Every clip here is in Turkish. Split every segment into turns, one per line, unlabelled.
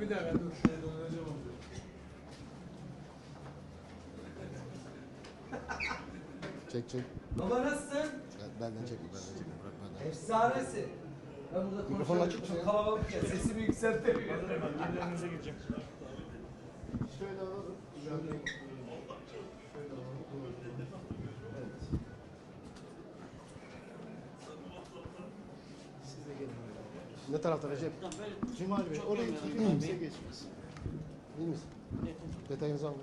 Bir dakika dur. Şöyle döneceğim onu.
Çek.
Baba nasılsın?
Benden çekme. Bırak benden.
Efsanesin. Ben burada
Mikrofonu açık
konuşuyorum.
mısın
Çok
ya?
kalabalık ya. Sesimi yükseltemiyorum.
Yerlerinize gireceğim.
Şöyle alalım. Şöyle alalım. Evet. Siz de gelin. Ne tarafta Recep? Cumali Bey. Oraya kimse geçmez. İyi misin? Detayınızı alın.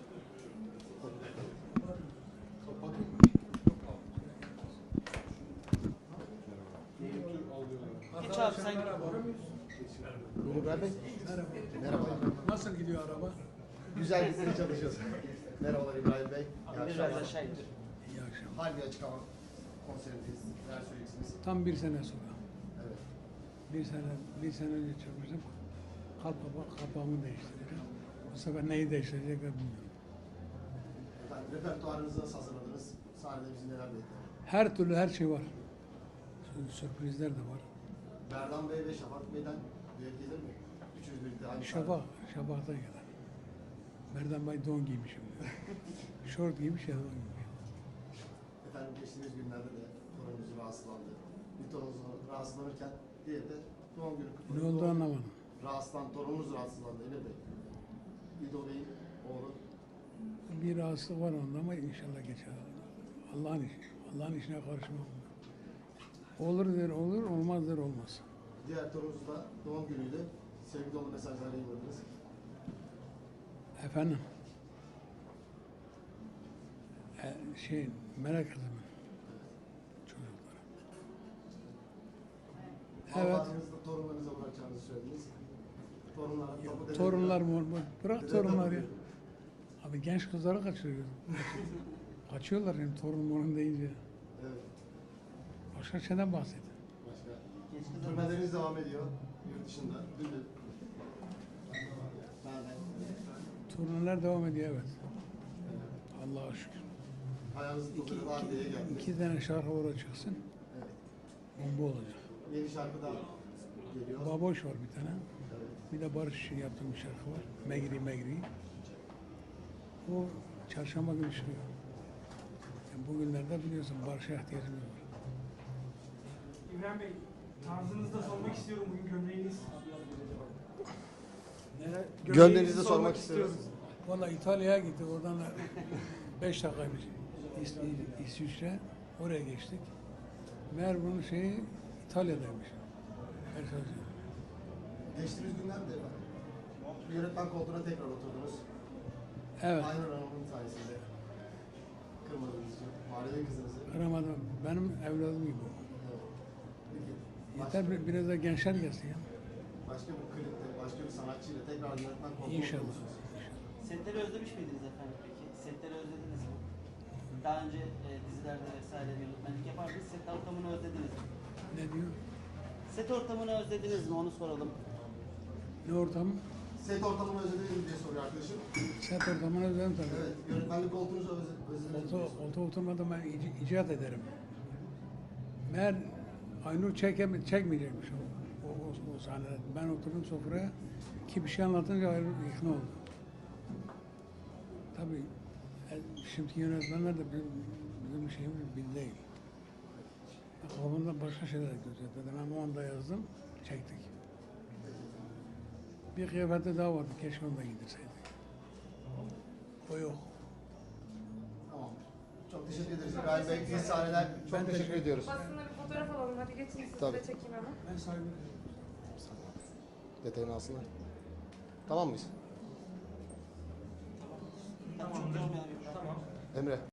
Geç abi sen git.
Buyurun İbrahim Bey. Merhaba.
Nasıl gidiyor araba?
Güzel gitmeye çalışıyoruz. Merhabalar İbrahim Bey. İyi
Biraz
akşamlar.
aşağı indir.
İyi akşamlar.
Harbi açık hava konserindeyiz. Neler söyleyeceksiniz?
Tam bir sene sonra.
Evet.
Bir sene önce çıkmıştım. Kapağımı değiştireceğim. Bu sefer neyi değiştirecekler bilmiyorum.
Efendim repertuarınızı nasıl hazırladınız? Sahnede bizi neler bekliyor?
Her türlü her şey var. Sürprizler de var.
Berdan Bey ve Şafak Bey'den düet gelir mi? Üçünüz birlikte aynı
Şafak'tan gelen. Merdan Bey don giymişim. Şort giymiş ya don giymiş.
Efendim geçtiğimiz günlerde de torununuz rahatsızlandı. Bir torununuz rahatsızlanırken diğeri de doğum günü kutladı.
Ne oldu anlamadım.
Torununuz rahatsızlandı Emir Bey. İdo Bey'in oğlu.
Bir rahatsızlık var onda ama inşallah geçer. Allah'ın işi. Allah'ın işine karışmam. Olur der olur, olmaz der olmaz.
Diğer torununuz da doğum günüydü. Sevgi dolu mesajlar yayınladınız.
Efendim? Merak kızımın çocukları. Evet.
Allah'ınızı da torunlarınıza bırakacağınızı söylediniz. Torunlara topu
Torunlar mı? Bırak torunlar ya. Abi genç kızları kaçırıyor. Kaçıyorlar yani torun deyince.
Evet.
Başka şeyden bahset.
Başka. Turneleriniz devam ediyor. Yurt dışında. Dündür.
Turneler devam ediyor evet. Allah'a şükür.
Ayağınızın tozunu var diye geldiniz.
2 tane şarkı oraya çıksın.
Evet.
Bomba olacak.
Yeni şarkı da geliyor.
Baboş var bir tane.
Evet.
Bir de Barış için yaptığım bir şarkı var. Megri. O çarşamba günü çıkıyor. Yani bugünlerde biliyorsun Barış'a ihtiyacımız var.
İbrahim Bey, tarzınızda sormak istiyorum bugün gömleğiniz.
Gömleğinizi de sormak istiyoruz.
Valla İtalya'ya gittik. Oradan 5 dakikaymış. İsviçre. Oraya geçtik. Meğer bunun şeyi İtalya'daymış.
Geçtiğimiz günlerde yönetmen koltuğuna tekrar oturdunuz.
Evet.
Aynur Hanım'ın sayesinde kırmadığınız için. Mahallenin kızınızı.
Kıramadım. Benim evladım gibi.
Evet. Peki.
Yeter biraz da gençler gelsin ya.
Başka bir klipte, başka bir sanatçıyla tekrar yönetmen koltuğuna
İnşallah.
oturursunuz.
Setleri özlemiş miydiniz efendim peki? Setleri özlediniz mi? Daha önce dizilerde vesaire yönetmenlik yapardınız. Set ortamını özlediniz mi?
Ne diyor?
Set ortamını özlediniz mi? Onu soralım.
Ne ortamı?
Set ortamını özlediniz mi diye soruyor arkadaşım.
Set ortamını özledim tabii.
Evet, yönetmenlik koltuğunuzu özlediniz mi?
Olta oturmadan ben icat ederim. Meğer Aynur çekmeyecekmiş o sahnede. Ben oturdum sofraya ki bir şey anlatınca Aynur ikna oldu. Tabii şimdiki yönetmenler de bizim şeyimiz değil. Kafamda başka şeyler gözledim. Ben o anda yazdım, çektik. Bir kıyafette daha vardı, keşke onu da giydirseydik. O yok.
Tamam. Çok teşekkür ederiz İbrahim Bey. İyi sahneler. Çok teşekkür ediyoruz.
Basında bir fotoğraf alalım. Hadi geçin sizi
Tabii.
de çekeyim hemen.
Ben saygı
Detayını alsınlar. Tamam mıyız?
Tamam.
Emre.